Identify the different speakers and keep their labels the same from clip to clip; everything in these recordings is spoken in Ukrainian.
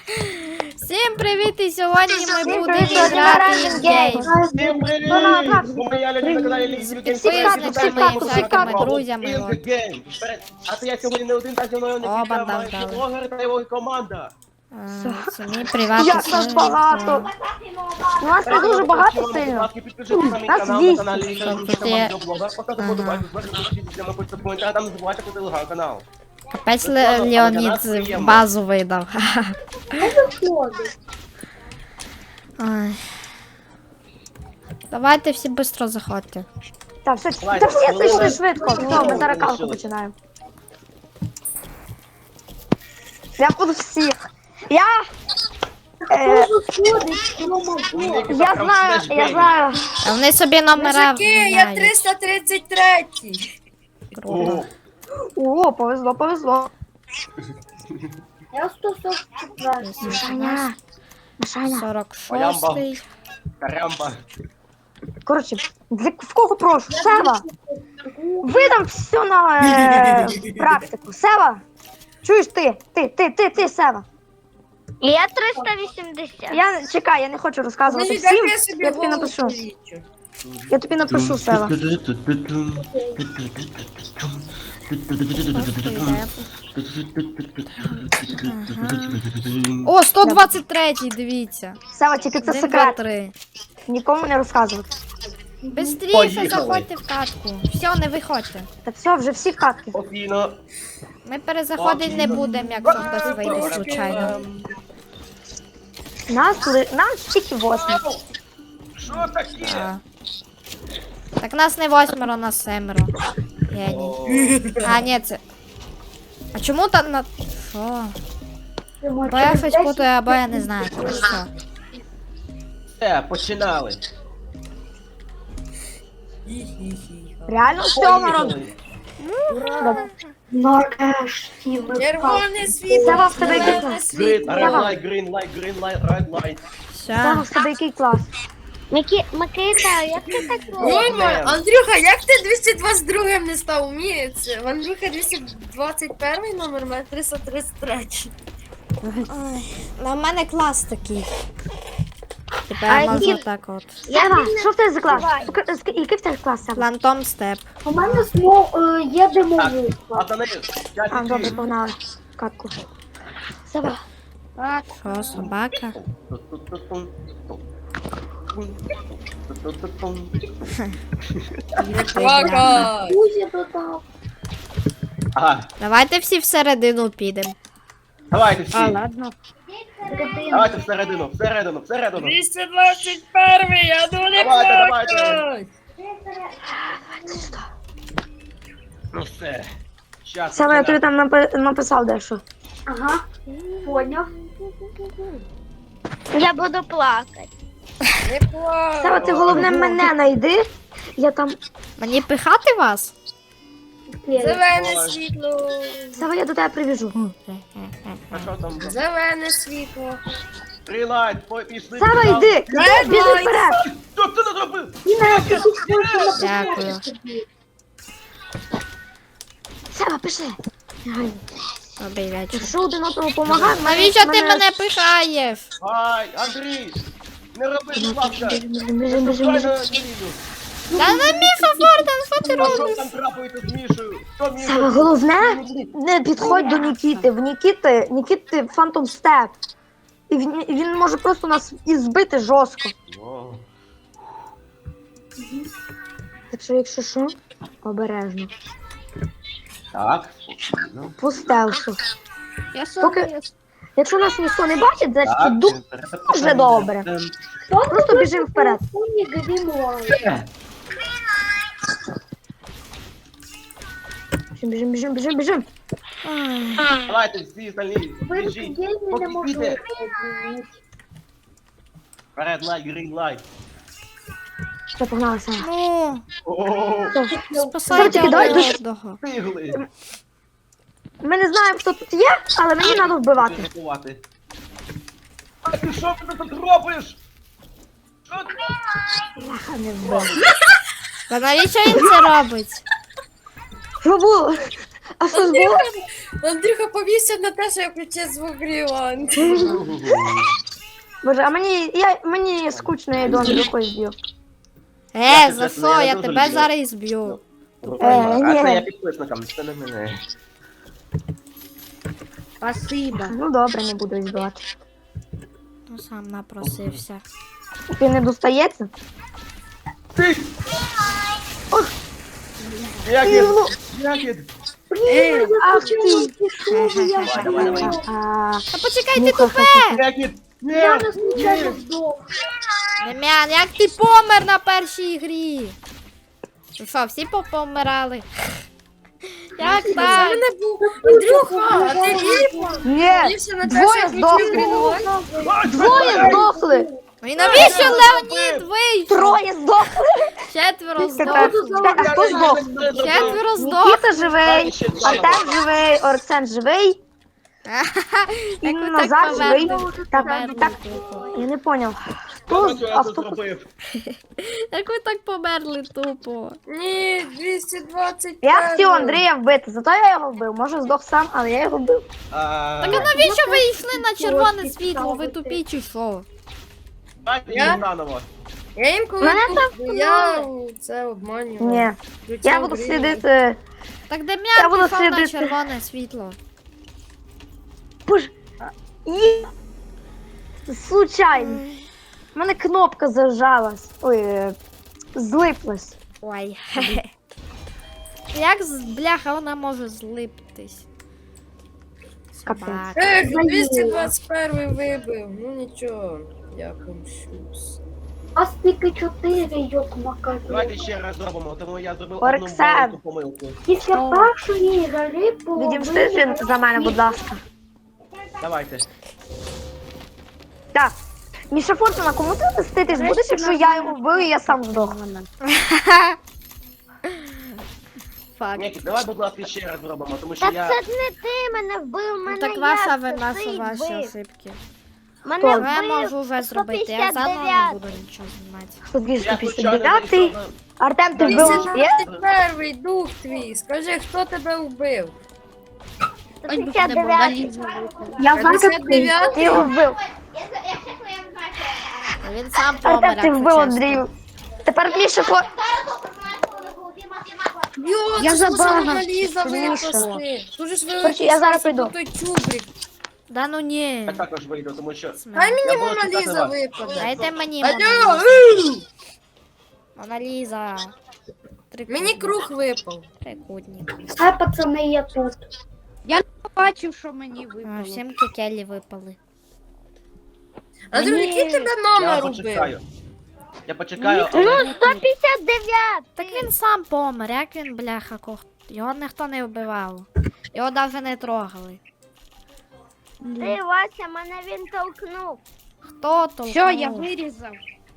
Speaker 1: Всім привіт! І сьогодні ми будемо
Speaker 2: привіт,
Speaker 1: грати
Speaker 2: сьогодні
Speaker 1: в
Speaker 2: ми
Speaker 1: гейм.
Speaker 3: Всім привіт! Моя Лялі на каналі
Speaker 1: З
Speaker 3: Лінк
Speaker 1: підписниками і всякими друзями.
Speaker 3: Гейм. А то я сьогодні не один, та зі мною
Speaker 1: О,
Speaker 3: не
Speaker 1: банда
Speaker 3: кілька
Speaker 1: вдали.
Speaker 3: блогер та його команда.
Speaker 1: Це мій приватний
Speaker 2: Як нас
Speaker 1: сервер.
Speaker 2: багато. У нас не дуже багато
Speaker 3: Будь
Speaker 2: сильно.
Speaker 3: ласка, підпишіться на мій
Speaker 2: Нас
Speaker 3: канал,
Speaker 2: 200.
Speaker 3: на каналі Лінк
Speaker 1: Тут є-
Speaker 3: Поставте подобайку, підпишіться на мій коментар, там не забувайте про телеграм-канал.
Speaker 1: Капець Леонід базу видав. Ой. Давайте всі швидко заходьте.
Speaker 2: Так, все,
Speaker 3: Давай,
Speaker 2: та всі
Speaker 3: хвилина.
Speaker 2: зайшли швидко. Все, ми зараз калку
Speaker 3: Лишилось.
Speaker 2: починаємо. Я буду всіх. Я знаю.
Speaker 1: А вони собі номера
Speaker 4: Мужики, я
Speaker 1: міняють.
Speaker 4: 333.
Speaker 1: Круто.
Speaker 2: О, повезло.
Speaker 5: Я 144.
Speaker 2: Мишаня. Мишаня.
Speaker 1: 46-й.
Speaker 3: Карямба.
Speaker 2: Коротше, в кого прошу? Сева. Видам все на практику. Сева. Чуєш ти, Сева.
Speaker 5: Я 380.
Speaker 2: Чекай, я не хочу розказувати
Speaker 4: Значить,
Speaker 2: всім.
Speaker 4: я собі
Speaker 2: Я тобі
Speaker 4: голову
Speaker 2: напишу.
Speaker 4: полічу.
Speaker 2: Я тобі напишу, Сева.
Speaker 1: О, 123-й, дивіться.
Speaker 2: Сева, тільки це
Speaker 1: 1, 2,
Speaker 2: секрет.
Speaker 1: 3.
Speaker 2: Нікому не розказувати.
Speaker 1: Бистріше
Speaker 3: Поїхали.
Speaker 1: заходьте в катку. Все, не виходьте.
Speaker 2: Так все, вже всі в катки.
Speaker 3: Спокійно.
Speaker 1: Ми перезаходити не будемо, якщо хтось вийде случайно.
Speaker 2: Нас тільки 8.
Speaker 3: Що таке?
Speaker 1: А. Так нас не 8, нас 7. Геній. А, ні, це. А чому там на. Що? Бо я щось путаю, або я не знаю. Коротше, все.
Speaker 3: Все, починали.
Speaker 2: Реально все, народ.
Speaker 3: Поїхали.
Speaker 4: Червоне світло.
Speaker 2: Сева, в тебе який
Speaker 4: зелене
Speaker 2: клас?
Speaker 4: світло.
Speaker 3: Red light, green light, green light, red light.
Speaker 2: Сева,
Speaker 1: Все.
Speaker 2: в тебе який клас?
Speaker 5: Микита, як ти так робиш?
Speaker 4: Ой, Андрюха, як ти 222 не став? Уміється. В Андрюха 221 номер, мене 333.
Speaker 1: Ну, в мене клас такий. Тепер
Speaker 5: А
Speaker 1: я можу
Speaker 5: які-
Speaker 1: так от.
Speaker 2: Сева, що в тебе за клас? Який в тебе клас, Сева?
Speaker 1: Флантом степ.
Speaker 5: У мене є димовий.
Speaker 3: А за нею,
Speaker 2: А, добре, погнали. Катку. Сева.
Speaker 1: Що, собака?
Speaker 4: Вака.
Speaker 5: Кузя додав.
Speaker 3: Ага,
Speaker 1: Давайте всі всередину підемо.
Speaker 3: давайте всі.
Speaker 2: ладно.
Speaker 3: Давайте всередину.
Speaker 4: 221, я дуже
Speaker 3: Давайте.
Speaker 4: хочу.
Speaker 3: Ну все. Щас.
Speaker 2: Сева, я тобі там написав дещо.
Speaker 5: Ага, поняв. Я буду плакати.
Speaker 4: Не плач.
Speaker 2: Сева, ти головне мене знайди. Я там.
Speaker 1: Мені пихати вас?
Speaker 4: Зелене світло.
Speaker 2: Сева, я до тебе привіжу.
Speaker 3: А що там?
Speaker 4: Зелене світло.
Speaker 3: Green light, пішли.
Speaker 2: Сева, йди! Біжи вперед!
Speaker 3: Що ти не зробив?
Speaker 1: Дякую.
Speaker 2: Сева, пиши.
Speaker 1: Добрий вечір.
Speaker 2: Якщо один одному допомагає,
Speaker 1: Навіщо ти мене пихаєш?
Speaker 3: Ай, Андрій! Не роби, будь ласка!
Speaker 2: Біжим.
Speaker 1: Та не Міша Форден, що ти
Speaker 3: А що
Speaker 1: робиш?
Speaker 3: там трапується з Мішою? Що Міша?
Speaker 2: Сева, головне, не підходь до Нікіти. В Нікіти Фантом Степ. І він може просто нас і збити жорстко.
Speaker 3: О,
Speaker 2: Так що, якщо що, обережно.
Speaker 3: так, спокійно.
Speaker 2: По стелсу.
Speaker 1: Я
Speaker 2: Поки- Якщо нас ніхто не бачить, значить
Speaker 3: Так,
Speaker 2: дуже добре. Просто біжимо вперед. Біжим.
Speaker 3: Давайте всі остальні, біжіть. Поки піде. Red light, green light.
Speaker 2: Все, погналися.
Speaker 1: Ну,
Speaker 3: О,
Speaker 1: спасайте
Speaker 2: Тільки давай
Speaker 1: один
Speaker 2: дуже-
Speaker 1: одного.
Speaker 3: встигли.
Speaker 2: Ми не знаємо, хто тут є, але мені треба вбивати.
Speaker 3: Рятувати. А ти що ти тут робиш? Що ти?
Speaker 2: Бляха, не вбив.
Speaker 1: Та навіщо він це робить?
Speaker 2: Що було? А що ж було?
Speaker 4: Андрюха повівся на те, що я включив звук Гріланд.
Speaker 2: Боже, а мені скучно, я йду Андрюхою зб'ю.
Speaker 1: За що? Я тебе зараз і зб'ю.
Speaker 3: А
Speaker 2: ні.
Speaker 3: це я підписникам, це не мене.
Speaker 5: Спасибо.
Speaker 2: Ну добре, не буду збивати.
Speaker 1: Ну сам напросився.
Speaker 2: Ти не достається?
Speaker 3: Ти! Якід!
Speaker 2: Ах ти!
Speaker 3: Давай, давай.
Speaker 1: Та почекай, ти
Speaker 2: Ну-ка,
Speaker 1: тупе!
Speaker 3: Якід! Ні!
Speaker 5: Я не случайно здох.
Speaker 1: Дем'ян, як ти помер на першій грі? Ну що, всі помирали? Як
Speaker 4: Це
Speaker 1: так?
Speaker 4: мене був. Андрюха, а ти
Speaker 2: Ні!
Speaker 4: повівся на те,
Speaker 2: Двоє
Speaker 4: що я включив
Speaker 2: здохли.
Speaker 4: Гріланд?
Speaker 2: Двоє здохли!
Speaker 1: Ну і навіщо Леонід вийшов?
Speaker 2: Троє здохли!
Speaker 1: Четверо
Speaker 2: Тепер,
Speaker 1: здохли.
Speaker 2: а хто здох?
Speaker 1: Четверо здохли.
Speaker 2: Нікіта живий, Артем живий, Орсен живий, і
Speaker 1: Як ви так
Speaker 2: Назар живий.
Speaker 1: повернули?
Speaker 2: Так,
Speaker 1: Повернули
Speaker 2: так,
Speaker 1: тупо.
Speaker 2: я не поняв.
Speaker 3: Я тут зробив.
Speaker 1: Як ви так померли тупо?
Speaker 4: Ні, 220.
Speaker 2: Я хотів Андрія вбити, зато я його вбив. Може здох сам, але я його вбив.
Speaker 1: Так а навіщо ви йшли на червоне світло? Ви тупі чи що?
Speaker 3: Давайте
Speaker 4: Я?
Speaker 3: їм наново.
Speaker 4: Я їм коли
Speaker 2: Мене
Speaker 4: тут, я це обманював.
Speaker 2: Ні.
Speaker 4: Включав
Speaker 2: Я буду
Speaker 4: Гріланд.
Speaker 2: слідити.
Speaker 1: Так
Speaker 2: Я
Speaker 1: Дем'ян
Speaker 2: буду
Speaker 1: пішов на
Speaker 2: слідити.
Speaker 1: червоне світло.
Speaker 2: Боже. І... Случайно. У мене кнопка зажалась. Ой, злиплась.
Speaker 1: Ой. Як бляха вона може злиптись?
Speaker 2: Капець.
Speaker 1: Собака.
Speaker 4: Ех, 221 вибив. Ну нічого, я помщусь.
Speaker 5: А стільки 4, йок макаки.
Speaker 3: Давайте ще раз зробимо, тому я зробив
Speaker 2: Орксен.
Speaker 3: одну маленьку помилку.
Speaker 5: Після першої гри
Speaker 2: Відімсти за мене, будь ласка.
Speaker 3: Давайте.
Speaker 2: Так. Міша Фортуна, кому ти мститись будеш, якщо я його вбив і я сам здох?
Speaker 1: Факт.
Speaker 3: Ні, давай, будь ласка, ще раз зробимо, тому що
Speaker 6: Так
Speaker 3: я...
Speaker 6: це ж не ти мене вбив,
Speaker 1: Ну,
Speaker 6: мене
Speaker 1: так
Speaker 6: я
Speaker 1: ваша
Speaker 6: це
Speaker 1: вина,
Speaker 6: ти
Speaker 1: що ваші
Speaker 6: вбив.
Speaker 1: ошибки.
Speaker 6: Мене
Speaker 2: Хто?
Speaker 1: Я
Speaker 6: вбив
Speaker 1: можу вже зробити, я заново не
Speaker 6: 159.
Speaker 1: буду нічого знімати.
Speaker 2: Хто
Speaker 3: Я случайно
Speaker 2: 259?
Speaker 3: зайшов
Speaker 2: Артем, ти вбив? Є?
Speaker 4: 221 дух твій. Скажи, хто тебе вбив?
Speaker 6: 159.
Speaker 5: Я зараз
Speaker 4: 59?
Speaker 2: Ти його вбив.
Speaker 1: Він сам помер,
Speaker 2: Артем, ти
Speaker 1: якщо
Speaker 2: вбив
Speaker 1: чесно.
Speaker 2: Андрію. Тепер Міша Фортуна.
Speaker 4: Йо,
Speaker 2: Я
Speaker 4: це
Speaker 2: забагав.
Speaker 4: ж Ліза
Speaker 2: Міша.
Speaker 4: випасти. Дуже ж
Speaker 2: Короче, я зараз прийду.
Speaker 4: той чубрик.
Speaker 1: Да ну ні.
Speaker 3: Я також вийду, тому що...
Speaker 4: Дай мені
Speaker 3: Я буду
Speaker 4: Мона
Speaker 3: чекати
Speaker 4: Ліза
Speaker 3: вас.
Speaker 4: випаде.
Speaker 1: Дайте мені
Speaker 4: Алло!
Speaker 1: Мона Ліза.
Speaker 4: Мені круг випав.
Speaker 1: Трикутник.
Speaker 5: Хай пацани, я тут.
Speaker 6: Бачив, що мені
Speaker 1: А,
Speaker 6: випало.
Speaker 1: всім кекелі випали.
Speaker 4: Андрю, який тебе
Speaker 3: Я
Speaker 4: номер убив?
Speaker 3: почекаю. Я почекаю,
Speaker 6: Ну,
Speaker 3: але...
Speaker 6: 159.
Speaker 1: Так він сам помер, як він, бляха, його ніхто не вбивав. Його навіть не трогали.
Speaker 6: Ти, Вася, мене він толкнув.
Speaker 1: Хто толкнув?
Speaker 6: Все, я вирізав.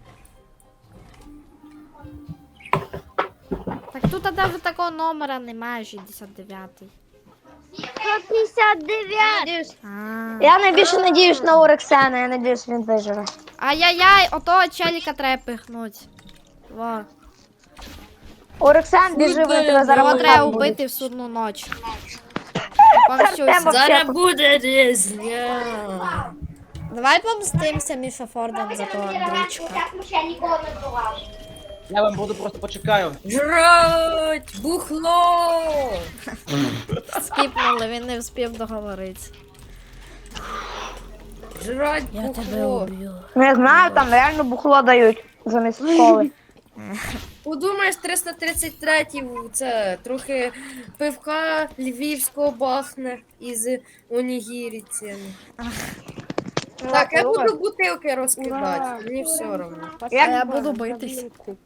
Speaker 1: Так тут навіть такого номера немає, 69-й.
Speaker 6: 159.
Speaker 1: А.
Speaker 2: Я найбільше надіюсь на Орексена, я надіюсь, він виживе.
Speaker 1: Ай-яй-яй, отого челіка треба пихнуть. Во.
Speaker 2: Орексен, біжи, ви тебе зараз
Speaker 1: Його треба
Speaker 2: вбити.
Speaker 1: убити в судну ніч. Помщуся.
Speaker 2: Артема.
Speaker 4: Зараз буде різня.
Speaker 1: Давай помстимося Міша Форден за того Андрійчика.
Speaker 3: Я вам буду просто почекаю.
Speaker 4: Жрать! Бухло!
Speaker 1: Скіпнули, він не встиг договоритися.
Speaker 4: Жрать
Speaker 1: Я тебе
Speaker 4: бухло!
Speaker 1: уб'ю.
Speaker 2: Не знаю, там реально бухло дають замість школи.
Speaker 4: Подумаєш, 333-й це трохи пивка львівського бахне із онігіріцями. Так, я буду бутилки розкидати, мені все одно.
Speaker 1: А я буду битись.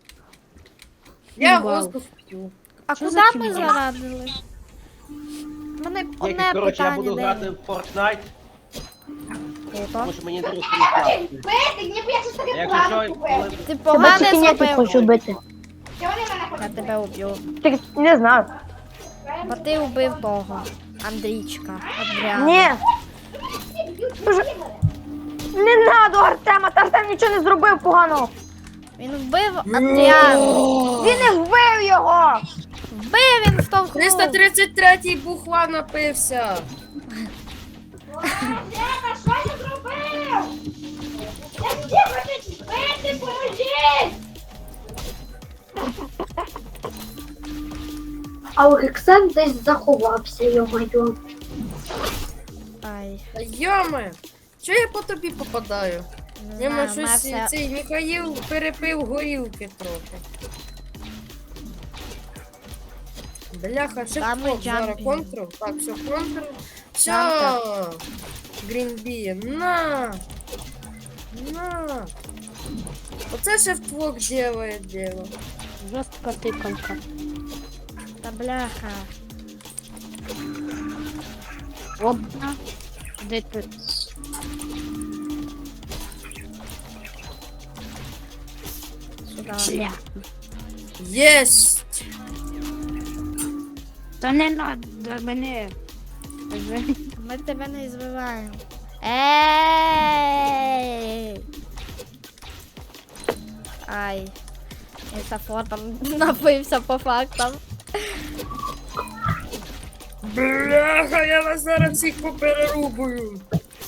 Speaker 4: Я воздух п'ю.
Speaker 1: А куди ми зарадили? У мене
Speaker 3: Ні,
Speaker 1: одне
Speaker 3: коротше, я буду
Speaker 1: питання,
Speaker 3: грати в Fortnite,
Speaker 1: де?
Speaker 3: тому що мені дуже класно. Якщо що, коли...
Speaker 1: Ти
Speaker 2: Тебе
Speaker 1: погане
Speaker 2: чекіняти хочу
Speaker 1: зробив.
Speaker 2: вбити.
Speaker 1: Я тебе уб'ю.
Speaker 2: Ти не знаю.
Speaker 1: Бо ти вбив того. Андрійчика. Адріана.
Speaker 2: Ні. Боже. Не надо Артема, та Артем нічого не зробив поганого.
Speaker 1: Він вбив Адріану.
Speaker 2: Він не вбив його.
Speaker 1: Аби він штовхнув.
Speaker 4: 333-й бухла напився.
Speaker 5: А Олександр десь заховався, йо-моє.
Speaker 1: Ай,
Speaker 4: Та йоме, чого я по тобі попадаю?
Speaker 1: не
Speaker 4: Йоме,
Speaker 1: знаю,
Speaker 4: щось
Speaker 1: Мася...
Speaker 4: цей Михаїл перепив горілки трохи. Бляха, ще
Speaker 1: Там
Speaker 4: хто
Speaker 1: і
Speaker 4: зараз
Speaker 1: джампінг.
Speaker 4: контрол. Так, все, контрол. Все.
Speaker 1: Джампер.
Speaker 4: Грінбі, на. На. Оце ще вдвох делає дело.
Speaker 6: Жорстка тикалка.
Speaker 1: Та бляха.
Speaker 6: Одна. Де ти?
Speaker 1: Сюди.
Speaker 6: Бля.
Speaker 4: Єсть!
Speaker 6: Та не надо мене.
Speaker 1: Ми тебе не збиваємо. Ей! Ай. Місафор там напився по фактам.
Speaker 4: Бляха, я вас зараз всіх поперерубую.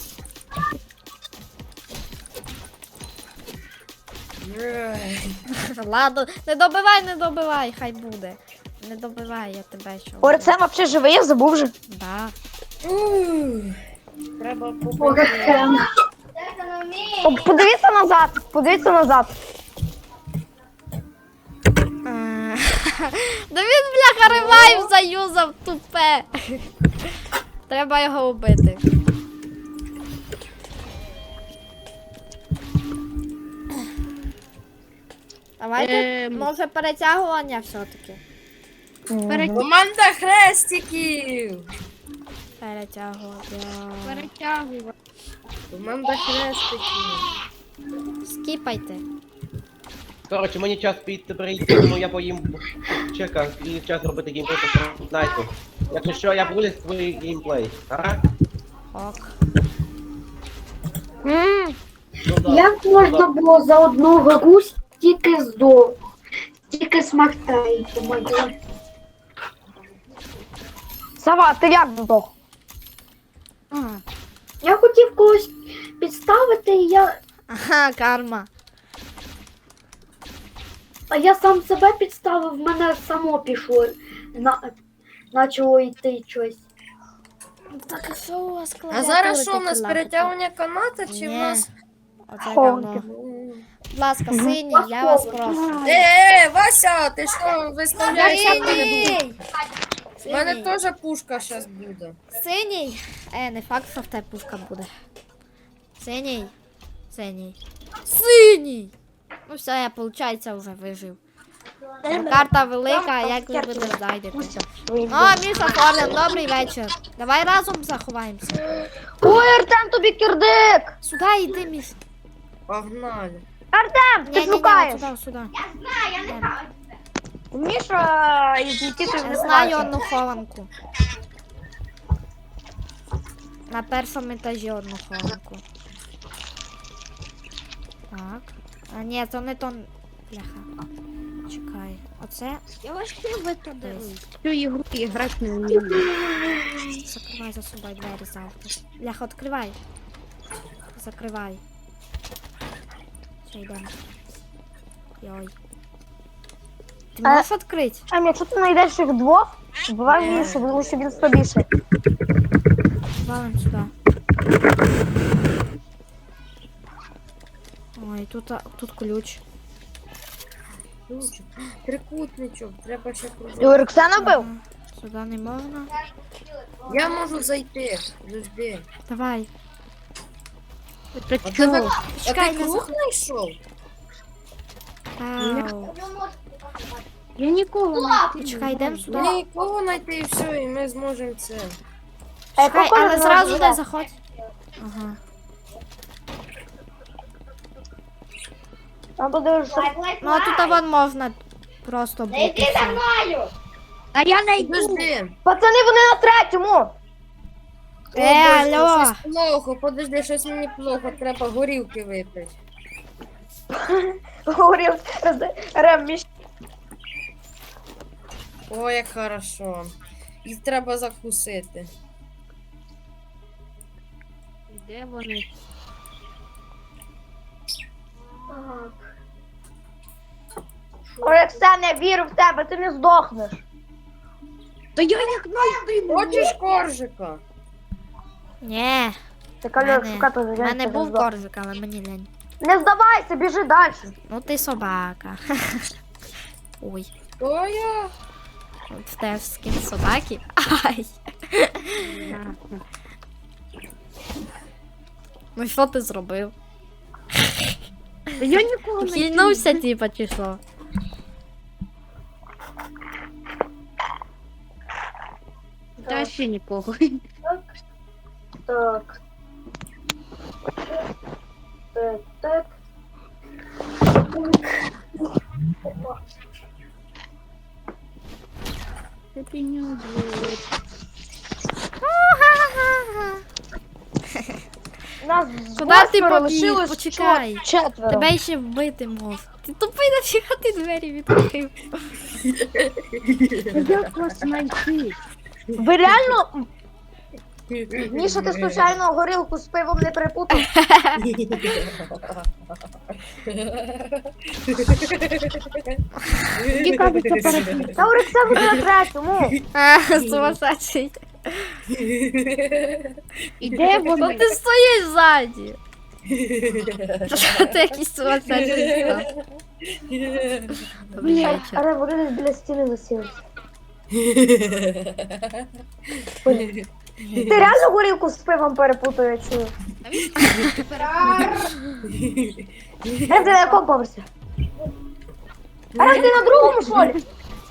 Speaker 4: Ей.
Speaker 1: Ладно, не добивай, хай буде. Не добивай, я тебе що.
Speaker 2: Орцем взагалі живий, я забув вже.
Speaker 1: Да.
Speaker 4: Ух. Треба побачити.
Speaker 5: Олександр.
Speaker 2: Подивіться назад, подивіться назад.
Speaker 1: Да він, бляха, ревайв заюзав, тупе. Треба його убити. Давайте, може, перетягування все-таки.
Speaker 4: Команда хрестиків!
Speaker 1: Перетягування.
Speaker 6: Перетягую.
Speaker 4: Команда хрестиків.
Speaker 1: Скіпайте.
Speaker 3: Коротше, мені час піти перейти, тому я поїм чека і час робити геймплей по Fortnite. Якщо що, я виліз свій геймплей. Ага?
Speaker 1: Ок.
Speaker 3: Ну, да.
Speaker 5: Як можна було за одну гру стільки смертей, йо-моє.
Speaker 2: Сава, ти як здох?
Speaker 5: Я хотів когось підставити,
Speaker 1: Ага, карма.
Speaker 5: а я сам себе підставив, в мене само пішло. Почало йти щось.
Speaker 1: Так, а що у вас
Speaker 4: А зараз що, у нас перетягування каната чи в
Speaker 1: Ні.
Speaker 4: нас...
Speaker 1: Оце
Speaker 2: Хованки.
Speaker 1: говно. Будь ласка, синій, я вас прошу.
Speaker 4: Вася, ти що, виставляєш?
Speaker 1: Синій!
Speaker 4: У мене теж пушка зараз буде.
Speaker 1: Синій. Не факт, що в тебе пушка буде. Синій. Синій. Синій! Ну все, я, виходить, вже вижив. Ну, карта велика, як ви будете знайдете. О, Міша Форден, добрий вечір. Давай разом заховаємося.
Speaker 2: Ой, Артем, тобі кирдик!
Speaker 1: Сюди йди, Міш.
Speaker 4: Погнали.
Speaker 2: Артем, ти
Speaker 1: Ні,
Speaker 2: шукаєш.
Speaker 1: сюди.
Speaker 2: Міша із Нікітою
Speaker 1: Я
Speaker 2: не
Speaker 1: знаю
Speaker 2: знаю.
Speaker 1: одну хованку. На першому етажі одну хованку. Так. А ні, це не то. Бляха. Чекай. Оце.
Speaker 6: Я вообще в это дивлюсь. Цю ігру грати не вмію.
Speaker 1: Закривай за собою двері завтра. Бляха, відкривай. Закривай. Все, йдемо. Йой. Ти можеш відкрити?
Speaker 2: Ем, якщо ти знайдеш їх двох, вбивай Мішу, тому що він слабіший.
Speaker 1: Валим сюди. Ой, тут ключ.
Speaker 4: Ключик. Трикутничок, треба ще
Speaker 2: І
Speaker 4: кружок.
Speaker 2: Орексена бив?
Speaker 1: Ага. Сюди не можна.
Speaker 4: Я можу зайти. Подожди.
Speaker 1: Давай.
Speaker 6: Це
Speaker 4: А ти,
Speaker 6: чого?
Speaker 4: а
Speaker 1: Чекай,
Speaker 4: ти
Speaker 1: не
Speaker 4: круг знайшов?
Speaker 1: Ау.
Speaker 6: Я нікого не
Speaker 1: Чекай, йдемо сюди.
Speaker 4: Нікого знайти і все, і ми зможемо це.
Speaker 1: Чекай,
Speaker 2: Коля
Speaker 1: але
Speaker 2: не
Speaker 1: зразу
Speaker 2: знає.
Speaker 1: не заходь. Ага.
Speaker 2: А подивишся.
Speaker 1: Ну а тут вон можна просто бути.
Speaker 6: А я найду.
Speaker 4: Подожди.
Speaker 2: Пацани, вони на третьому!
Speaker 1: Алло.
Speaker 4: Щось плохо, подожди, щось мені плохо, треба горілки випити.
Speaker 2: Говорив Рем, Міш.
Speaker 4: О, як хорошо. Їх треба закусити.
Speaker 6: Де вони?
Speaker 5: Так.
Speaker 2: Орексен, я вірю в тебе, ти не здохнеш.
Speaker 6: Та я як знайду.
Speaker 4: Хочеш коржика?
Speaker 1: Ні,
Speaker 2: Ти кальок
Speaker 1: Мене-
Speaker 2: шукати
Speaker 1: в мене був коржик, але мені лень.
Speaker 2: Не здавайся, біжи далі.
Speaker 1: Ну ти собака. Ой,
Speaker 4: То я.
Speaker 1: от в тебе скін собаки. Ай. Ну що ти зробив?
Speaker 6: Та я нікого не
Speaker 1: Хильнувся, типа, чи що?
Speaker 6: Та ще нікого.
Speaker 5: Так. Так, так. Опа.
Speaker 6: Це піню.
Speaker 2: Нас
Speaker 1: Куди ти
Speaker 2: восьмеро
Speaker 1: побіг?
Speaker 2: лишилось
Speaker 1: Почекай.
Speaker 2: четверо.
Speaker 1: Тебе ще вбити мов. Ти тупий, нафіга ти двері відкрив.
Speaker 6: Та як вас знайти?
Speaker 2: Ви реально... Міша, ти случайно горілку з пивом не перепутав?
Speaker 6: Мені кажеться, перед...
Speaker 2: Та Орексен буде на третьому.
Speaker 1: Сумасшедший.
Speaker 6: І де
Speaker 1: Ну
Speaker 6: вони?
Speaker 1: ти стоїш ззаді. Що ти якийсь сумасшедший став? Добрий вечір.
Speaker 2: Але вони десь біля стіни засілися. Ти реально горілку з пивом перепутав, я чую. Ти на якому поверсі? А ти на другому, що ли?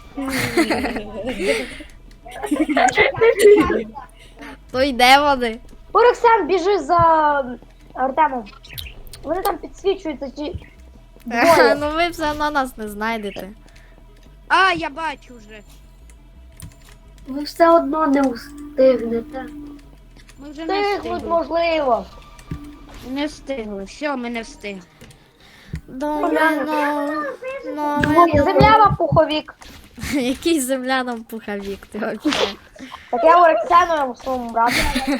Speaker 1: То йде вони.
Speaker 2: Орексен, біжи за Артемом. Вони там підсвічуються чи... Двоє.
Speaker 1: Ну ви все одно нас не знайдете.
Speaker 6: А, я бачу вже.
Speaker 5: Ви все одно не встигнете.
Speaker 6: Ми вже не
Speaker 2: Тихнуть,
Speaker 6: встигли.
Speaker 2: можливо.
Speaker 6: Не встигли. Все, ми не встигли.
Speaker 2: Земля вам пуховік.
Speaker 1: Який земля нам пуховік, ти взагалі.
Speaker 2: Так я Орексену своєму брату.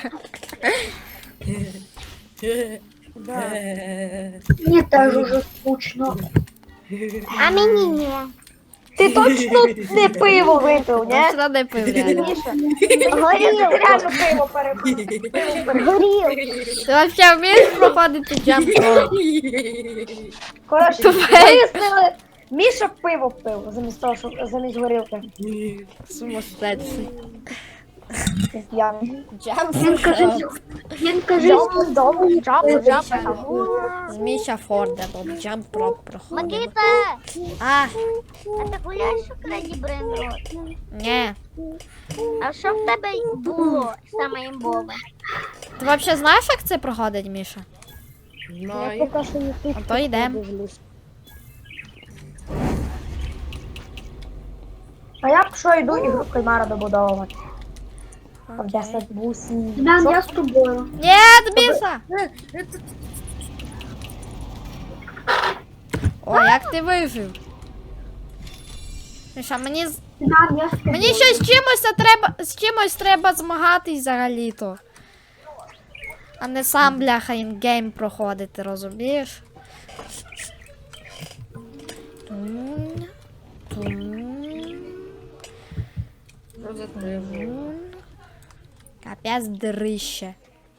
Speaker 5: Мені теж уже скучно.
Speaker 2: А мені ні. Ти точно не пиво випив, ні?
Speaker 1: Точно не пив реально.
Speaker 2: Міша, горів, ти реально пиво перепив. Горів.
Speaker 1: Ти взагалі вмієш проходити джамп-про?
Speaker 2: Коротше, вияснили, Міша пиво пив, замість того, щоб замість горілки.
Speaker 1: Сумасшедший.
Speaker 2: Я.
Speaker 5: Він каже,
Speaker 1: З Міша Форда, бо джамп-про проходив.
Speaker 7: Макіта,
Speaker 1: А,
Speaker 7: а ти гуляєш у краді Брейнрот?
Speaker 1: ні.
Speaker 7: А що в тебе було саме імбове?
Speaker 1: Ти взагалі знаєш, як це проходить, Міша?
Speaker 4: Знаю.
Speaker 1: А то йдемо.
Speaker 2: А я що йду ігру в кальмара добудовувати. В 10 бусів.
Speaker 5: Семен, я з тобою.
Speaker 1: Ні, Міша! О, як ти вижив? Міша, мені
Speaker 5: Семен, я з тобою.
Speaker 1: Мені ще з чимось треба змагатись взагалі-то. А не сам, бляха, інгейм проходити, розумієш? Тун, тун, тун. Капець дрище.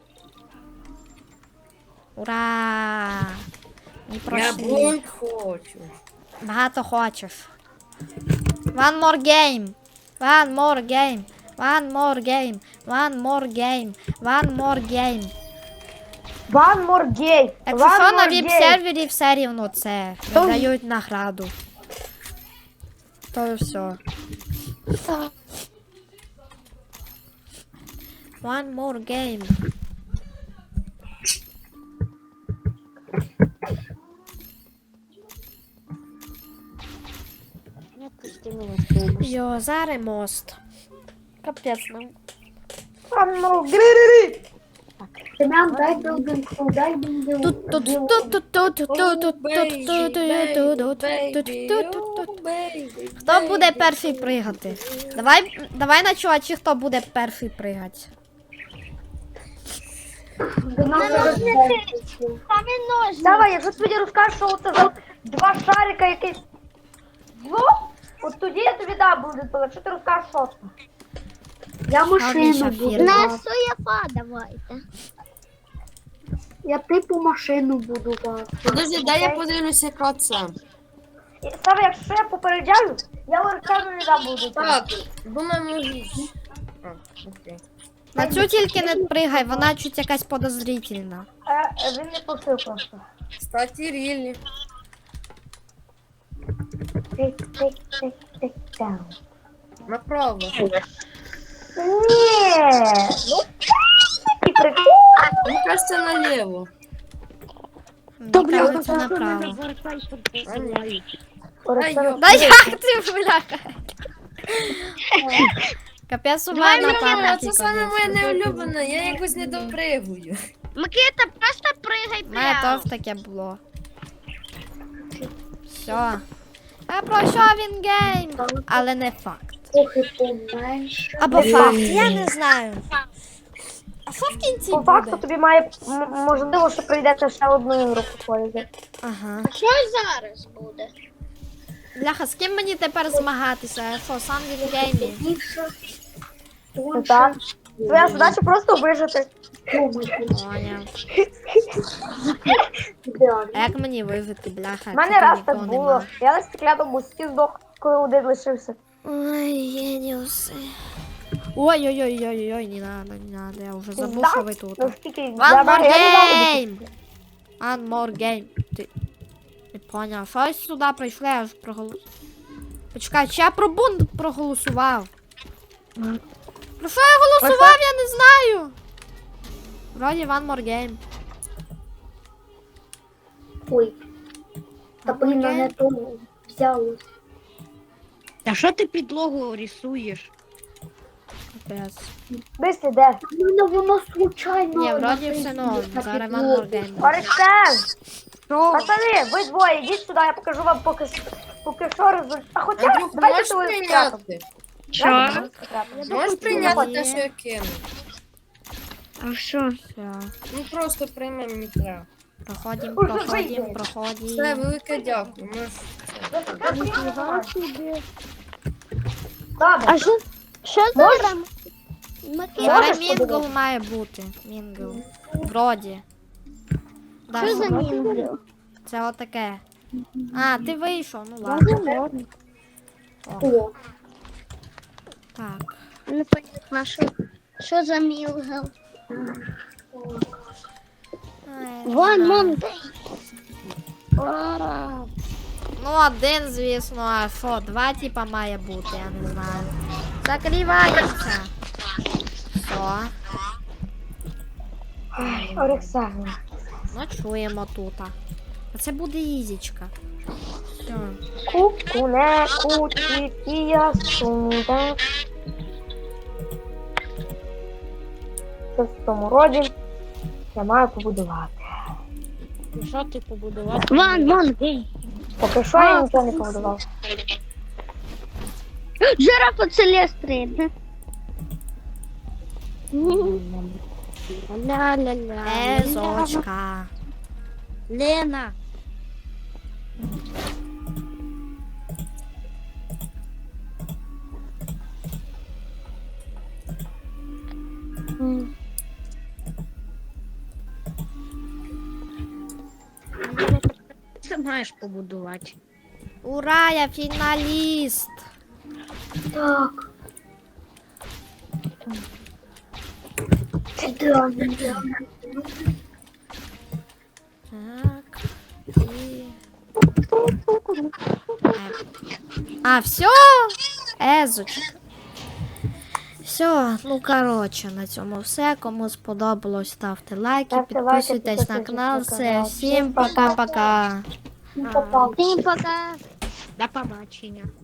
Speaker 1: Ура! Не
Speaker 4: Я
Speaker 1: пройшли.
Speaker 4: бунт хочу.
Speaker 1: Багато хочеш. One more game. One more game. One more game. One more game. One more game.
Speaker 2: One more gay.
Speaker 1: Якщо що,
Speaker 2: One
Speaker 1: на
Speaker 2: more gay.
Speaker 1: віп-сервері все рівно це. Дають награду. То і все. One more game. Йо, зараз мост. Капець нам.
Speaker 2: One more gay.
Speaker 5: Семен, дай білдинг, дай білдинг.
Speaker 4: бейбі.
Speaker 1: Хто буде перший пригати? Давай на чувачі, хто буде перший пригати.
Speaker 5: До нас зараз бейбі.
Speaker 2: Давай, якщо тобі розкажеш, що це за два шарика якийсь. Ну, от тоді я тобі дам буде, але якщо ти розкажеш, що це.
Speaker 5: Я машину
Speaker 1: Міша,
Speaker 5: буду.
Speaker 1: фірма.
Speaker 7: На
Speaker 5: бачити.
Speaker 7: суєфа давайте.
Speaker 5: Я типу машину буду бачити.
Speaker 4: Подожди, дай я подивлюся, яка це.
Speaker 2: І саме якщо я попереджаю, я Орексану не дам буде.
Speaker 4: Так, думаю, можеш. А, окей.
Speaker 1: На цю тільки не пригай, вона чуть якась подозрительна.
Speaker 2: Він не просив просто.
Speaker 4: Кстати, рілі.
Speaker 2: Тик-тик-тик-тик-тик.
Speaker 4: Направо.
Speaker 2: Ні, ну такий прикол.
Speaker 4: Мені кажется, наліво.
Speaker 1: Мені кажеться направо.
Speaker 4: А, ні.
Speaker 2: Орексану.
Speaker 1: Да як ти, бляха? Капець у
Speaker 4: Давай,
Speaker 1: мене
Speaker 4: Микита,
Speaker 1: пам'яті.
Speaker 4: це саме моє неулюблене, я якось не допригую.
Speaker 7: Микита, просто пригай
Speaker 1: У мене
Speaker 7: прямо.
Speaker 1: теж таке було. Все. Я пройшов він гейм, але не факт.
Speaker 5: Трохи поменше.
Speaker 1: Або факт, я не знаю. А що в кінці
Speaker 2: По факту
Speaker 1: буде?
Speaker 2: тобі має, можливо, що прийдеться ще одну ігру походити.
Speaker 1: Ага.
Speaker 7: Що зараз буде?
Speaker 1: Бляха, з ким мені тепер змагатися? Я що, сам він геймі?
Speaker 5: Більше.
Speaker 2: Ну так. Твоя задача просто вижити.
Speaker 1: Поняв. А як мені вижити, бляха?
Speaker 2: У мене
Speaker 1: тут
Speaker 2: раз так
Speaker 1: нікого
Speaker 2: було.
Speaker 1: нема.
Speaker 2: Я на стекляному мості здох, коли один лишився.
Speaker 1: Ой, геніуси. Ой-ой-ой-ой-ой, не надо, я вже забув,
Speaker 2: Да?
Speaker 1: що ви тут.
Speaker 2: Ну скільки
Speaker 1: One
Speaker 2: я
Speaker 1: more
Speaker 2: не знаю,
Speaker 1: game! One more game. Ти не поняв, щось сюди прийшли, я ж проголосував. Почекай, чи я про бунт проголосував? Про що я голосував, я не знаю. Вроді one more game.
Speaker 5: Ой. Та
Speaker 1: One more
Speaker 5: блін,
Speaker 1: game.
Speaker 5: не то взялось.
Speaker 6: Та що ти підлогу рисуєш?
Speaker 1: Капець.
Speaker 2: Десь іде.
Speaker 5: У мене воно случайно.
Speaker 1: Ні, вроді
Speaker 5: на
Speaker 1: все
Speaker 5: Фейсбуці
Speaker 1: норм,
Speaker 5: на
Speaker 1: зараз one
Speaker 5: підлогу.
Speaker 1: more game. буде.
Speaker 2: Орексен! Пацани, ви двоє, йдіть сюди, я покажу вам поки що результат. А хоча,
Speaker 4: Андрюх,
Speaker 2: давайте
Speaker 4: можеш
Speaker 2: того
Speaker 4: прийняти?
Speaker 2: секретом.
Speaker 4: Можеш прийняти те, що я кину?
Speaker 6: А що?
Speaker 1: Все,
Speaker 4: Ну просто прийми, мені треба.
Speaker 1: проходим,
Speaker 2: Уже
Speaker 1: проходим,
Speaker 2: вийде.
Speaker 4: Все,
Speaker 1: проходим.
Speaker 4: велике дякую. Можеш...
Speaker 2: Добре.
Speaker 7: А що за гра? Микита,
Speaker 1: Зараз
Speaker 2: Можеш
Speaker 1: мінгл
Speaker 2: подивитися?
Speaker 1: має бути. Мінгл. Вроді. Да,
Speaker 7: що за
Speaker 1: що?
Speaker 7: мінгл?
Speaker 1: Це отаке. А, ти вийшов, ну ладно.
Speaker 5: О,
Speaker 1: Так.
Speaker 7: Не понятно, що за мінгл?
Speaker 1: Ай,
Speaker 7: Вон,
Speaker 1: не
Speaker 7: вон,
Speaker 1: знаю.
Speaker 7: де?
Speaker 1: Ну, один, звісно, а що, два типа має бути, я не знаю. Закриваємося. Все.
Speaker 2: Орексен.
Speaker 1: Ночуємо тут. А це буде ізічка. Все.
Speaker 2: Кукуне, кутікія, сунде. Щось в тому роді я маю побудувати.
Speaker 6: Що ти побудував?
Speaker 7: Вон, де?
Speaker 2: Поки що я нічого не побудував.
Speaker 7: Жирафа целестрин.
Speaker 6: Ля-ля-ля.
Speaker 1: Езочка.
Speaker 6: Лена. Це маєш побудувати.
Speaker 1: Ура, я фіналіст.
Speaker 5: так. Ідеально.
Speaker 1: Так. І... А, все? Езочка. Все, ну коротше, на цьому все. Кому сподобалось, ставте лайки,
Speaker 2: Ставте лайки,
Speaker 1: підписуйтесь на
Speaker 2: підписуйтесь
Speaker 1: канал.
Speaker 2: на
Speaker 1: Все,
Speaker 2: канал.
Speaker 1: всім
Speaker 2: Всім пока.
Speaker 1: пока-пока.
Speaker 5: Ну, попав.
Speaker 7: Всім пока.
Speaker 6: До побачення.